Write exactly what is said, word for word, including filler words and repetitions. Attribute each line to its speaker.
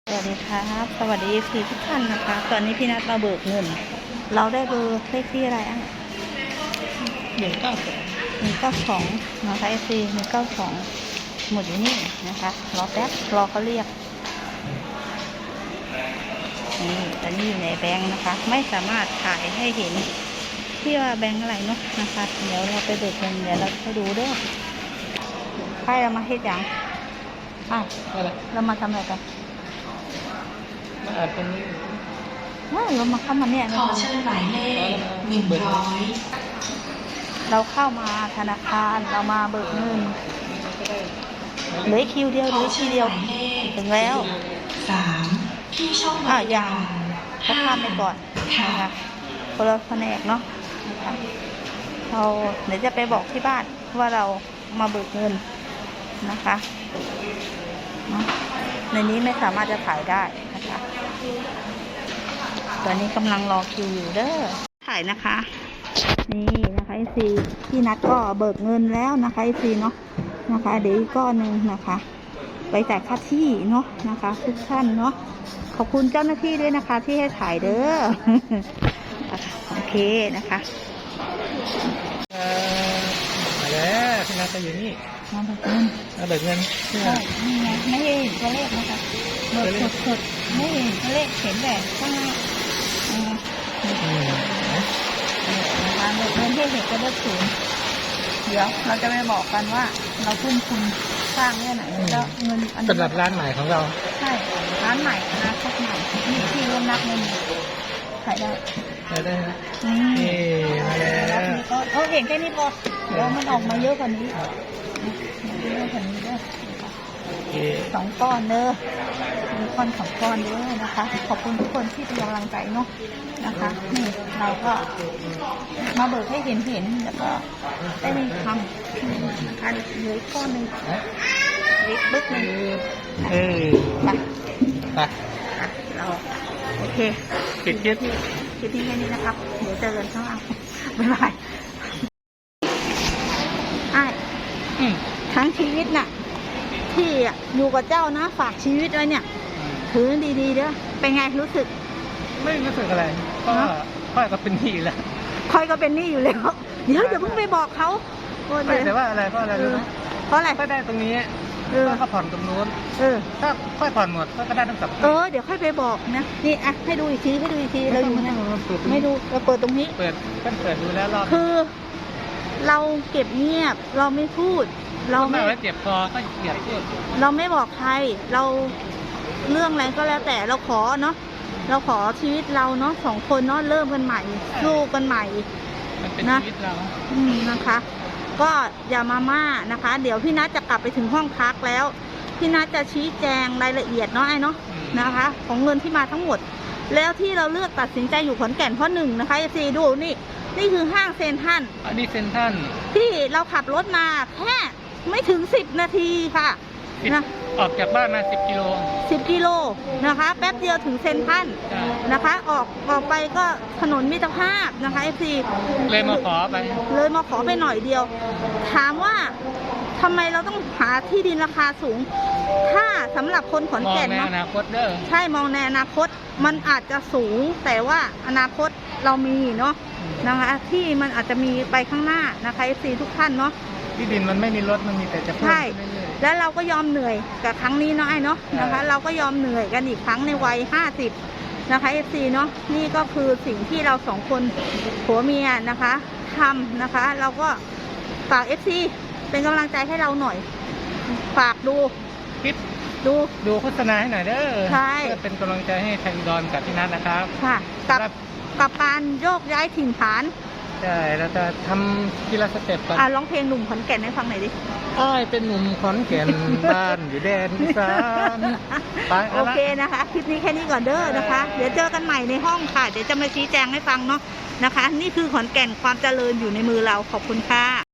Speaker 1: สวัสดีครับสวัสดีพี่ทุกท่านนะคะตอนนี้พี่นัดมาเบิกเงินเราได้เบอร์เลขที่อะไรอ่ะ
Speaker 2: หนึ่งเก้าสอง
Speaker 1: หนึ่งเก้าสองนะคะเอฟซีหนึ่งเก้าสองหมดอยู่นี่นะคะรอแป๊บรอเขาเรียกนี่ตอนนี้อยู่ในแบงค์นะคะ ไม่สามารถถ่ายให้เห็นที่ว่าแบงค์อะไรเนาะนะคะเดี๋ยวเราไปเบิกเงินเดี๋ยวเราไปดูด้วยใครเรามาเฮ็ดอย่างอ่ะ
Speaker 2: อะไร
Speaker 1: เรามาทำอะไรกัน
Speaker 2: มาอ่านตรงนี้
Speaker 1: ว่าเรามาเข้ามาเนี่ย
Speaker 3: ขอเชิญหมายเลขหนึ่งร้อย
Speaker 1: เราเข้ามาธนาคารเรามาเบิกเงินเหลือคิวเดียวเหลือคิวเดียวถึงแล้ว
Speaker 3: สามที่ช่องบ
Speaker 1: อ่ะ
Speaker 3: ริ
Speaker 1: ยั
Speaker 3: กาง ร
Speaker 1: เขาข้ามไปก่อนนะคะคนละแผนกเนาะนะคะเราเดี๋ยวจะไปบอกที่บ้านว่าเรามาเบิกเงินนะคะเนาะในนี้ไม่สามารถจะถ่ายได้นะคะตอนนี้กำลังรอคิวอยู่เด้อถ่ายนะคะนี่นะคะไอซีพี่นัดก็เบิกเงินแล้วนะคะไอซีเนาะนะคะเดี๋ยวอีกก้อนหนึ่งนะคะไปจ่ายค่าที่เนาะนะคะทุกท่านเนาะขอบคุณเจ้าหน้าที่ด้วยนะคะที่ให้ถ่ายเด้อ โอเคนะคะ
Speaker 2: เอ่อมาแล้วพี่นัทจะอยู่นี่
Speaker 1: มาเบิกเงิน
Speaker 2: มาเบิกเงินเพื่อ
Speaker 1: ใช่นี่ไงไม่เห็นตัวเลขนะคะเบิกสดๆไม่เห็นตัวเลขเห็นแต่ข้างหน้าอืม
Speaker 2: อืม
Speaker 1: นะคะเบิกเงินที่เห็นตัวเลขศูนย์เดี๋ยวเราจะไปบอกกันว่าเราทุ่มทุนสร้างเนี่ยไหนแล้วเงินอันนี้
Speaker 2: สำหรับร้านใหม่ของเรา
Speaker 1: ใช่ร้านใหม่นะครใหม่มีที่ร่วมนับเงินขายได้
Speaker 2: ได้ได้นะ
Speaker 1: นี่
Speaker 2: นี่มาแล้
Speaker 1: รับ
Speaker 2: ว
Speaker 1: นี้ก็เออเห็นแค่นี้พอเดี๋ยวมันออกมาเยอะกว่านี้เยอะกว่านี้ด้วย
Speaker 2: โอเค
Speaker 1: สองก้อนเด้อมีก้อนสองก้อนเด้อนะคะ ขอบคุณทุกคนที่เป็นกำลังใจเนาะนะคะนี่เราก็มาเบิกให้เห็นเห็นแล้วก็ได้มีคำนะคะเหลือก้อนหนึ่งลิบบึกหนึ่ง
Speaker 2: เออ
Speaker 1: ไป
Speaker 2: ไป
Speaker 1: เราโอเค
Speaker 2: ปิดคลิป
Speaker 1: คลิปนี้แค่นี้นะครับเดี๋ยวเจอกันข้างล่างบ๊ายบายไอ้
Speaker 2: อืม
Speaker 1: ทั้งชีวิตน่ะที่อยู่กับเจ้านะฝากชีวิตไว้เนี่ยถือดีๆเด้อเป็นไงรู้สึก
Speaker 2: ไม่รู้สึกอะไรก็ค่อยก็เป็นหนี้แล้ว
Speaker 1: คอยก็เป็นหนี้อยู่แล้วเดี๋ยวอย่าเพิ่งไปบอกเขาโอ้ย
Speaker 2: ไม่แต่ว่าอะไรเพราะอะไรรู้ไหม
Speaker 1: เพราะอะไร
Speaker 2: ก็ได้ตรงนี้
Speaker 1: เออ
Speaker 2: ก็ผ่อนตรงนู้น
Speaker 1: เออ
Speaker 2: ถ้าค่อยผ่อนหมดก็ได้ทั้งสอง
Speaker 1: เออเดี๋ยวค่อยไปบอกนะนี่อ่ะให้ดูอีกทีให้ดูอีกทีเราอยู่นะไม่ดูเราเปิดตรงนี้
Speaker 2: เปิดเพิ่งเปิดดูแล้วรอบ
Speaker 1: คือเราเก็บเงียบเราไม่พูด เรา
Speaker 2: ไม่
Speaker 1: ไม่
Speaker 2: ไว้เจ็บคอก็เกียดพูด
Speaker 1: เราไม่บอกใครเราเรื่องอะไรก็แล้วแต่เราขอเนาะเราขอชีวิตเราเนาะสองคนเนาะเริ่มกันใหม่สู้กันใหม่
Speaker 2: มันเป็น
Speaker 1: นะ
Speaker 2: ชีวิตเรา
Speaker 1: อืมนะคะ ก็อย่ามาม่านะคะ เดี๋ยวพี่นัทจะกลับไปถึงห้องพักแล้วพี่นัทจะชี้แจงรายละเอียดเนาะไอ้เนาะนะคะ ของเงินที่มาทั้งหมด แล้วที่เราเลือกตัดสินใจอยู่ขอนแก่นเพราะหนึ่งนะคะเอฟซีดูนี่นี่คือห้างเซ็นทรัล
Speaker 2: อันนี้เซ็นทรัล
Speaker 1: ที่เราขับรถมาแค่ไม่ถึงสิบนาทีค่ะนะ
Speaker 2: ออกจากบ้านมาสิบกิโล
Speaker 1: สิบกิโลนะคะ แป๊บเดียวถึงเซ็นทรัล
Speaker 2: ใช่
Speaker 1: นะคะ ออกออกไปก็ถนนมิตรภาพนะคะเอฟซี
Speaker 2: เลยมาขอไป
Speaker 1: เลยมาขอไปหน่อยเดียว ถามว่าทำไมเราต้องหาที่ดินราคาสูง ถ้าสำหรับคนขอน
Speaker 2: มอง
Speaker 1: แก่น
Speaker 2: ใน
Speaker 1: เนาะ
Speaker 2: อนาคตเด้อ
Speaker 1: ใช่มองในอนาคตมันอาจจะสูง แต่ว่าอนาคตเรามีเนาะนะคะ ที่มันอาจจะมีไปข้างหน้านะคะเอฟซีทุกท่านเนาะ
Speaker 2: ที่ดินมันไม่มีรถมันมีแต่จะเพิ่ม
Speaker 1: ใช่
Speaker 2: ขึ้นเรื่อย
Speaker 1: แล้วเราก็ยอมเหนื่อยกับครั้งนี้เนาะไอ้เนาะ
Speaker 2: ใช่
Speaker 1: นะคะ เราก็ยอมเหนื่อยกันอีกครั้งในวัยห้าสิบนะคะเอฟซีเนาะนี่ก็คือสิ่งที่เราสองคนผัวเมียนะคะทำนะคะ เราก็ฝากเอฟซีเป็นกำลังใจให้เราหน่อย ฝากดู
Speaker 2: ๆคิด
Speaker 1: ดู
Speaker 2: ดูโฆษณาให้หน่อยเด้อ
Speaker 1: ใช่
Speaker 2: เพื่อเป็นกำลังใจให้ไทยอุดรกับพี่นัทนะครับ
Speaker 1: ค่ะ กับ
Speaker 2: ครับ
Speaker 1: กับการโยกย้ายถิ่นฐาน
Speaker 2: ใช่เราจะทำทีละสเต็ปก่อน
Speaker 1: อ่ะร้องเพลงหนุ่มขอนแก่นให้ฟังหน่อยดิ
Speaker 2: อ้ายเป็นหนุ่มขอนแก่น บ้านอยู่แดนอีสานไป
Speaker 1: โอ
Speaker 2: เอาละ
Speaker 1: เคนะคะ คลิปนี้แค่นี้ก่อนเด้อนะคะ เดี๋ยวเจอกันใหม่ในห้องค่ะ เดี๋ยวจะมาชี้แจงให้ฟังเนาะนะคะ นี่คือขอนแก่นความเจริญอยู่ในมือเราขอบคุณค่ะ